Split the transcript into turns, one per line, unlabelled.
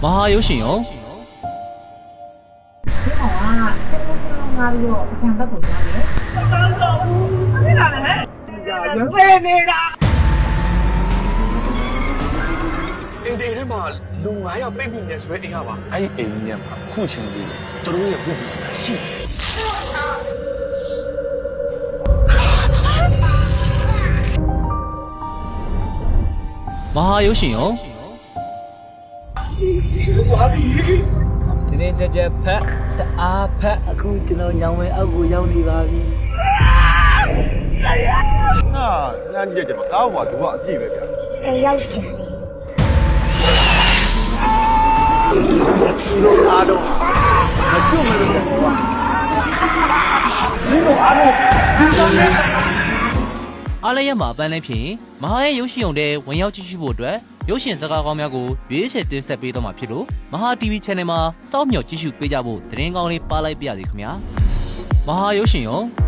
မဟာရုပ်ရှင်ရော
ဒီကောင်ကတက်လို့စလုံးငါပြီးတော့အပြန်ဘက်ကိုသွားတယ်။တော်တော်ဘူး။အဲ့ဒါလည်းရွှေနေတာ
အင်းဒီထဲမှာလူ9ယောက်ပြိတ်ပြီးနေဆိုရဲအိမ်ကပါအဲ့ဒီအိမ်ကြီးမှာခုချင်းလေးသူတို့ရဲ့ပြုတ်ပြီးရှိ
မဟာရုပ်ရှင်ရော
ဒီနေ့ကြက်ဖက်တအားဖက်အခုကျွန်တော်ညောင်ဝဲအောက်ကိုရောက်နေပါပြီ
ဟာညံ့ကြည့်ကြပါကောင်းပါသူကအပြည့်ပဲဗျာ
ရောက်ကြတယ်
ဒီလိုအားတော့မကျွတ်မလို့ကွာဒီလိုအားတော့ဒီဆောင်နေ
အားလည်းရမှာအပန်းလည်းဖြစ်မဟာရဲ့ရုပ်ရှင်ရုံတဲ့ဝင်ရောက်ကြည့်ရှုဖို့အတွက်ရုပ်ရှင်စကားကောင်းများကိုရွေးချယ်တင်ဆက်ပေးတော့မှာဖြစ်လို့မဟာ TV Channel မှာစောင့်မျှော်ကြည့်ရှုပေးကြဖို့သတင်းကောင်းလေးပါလိုက်ပါရစေခင်ဗျာမဟာရုပ်ရှင်ရော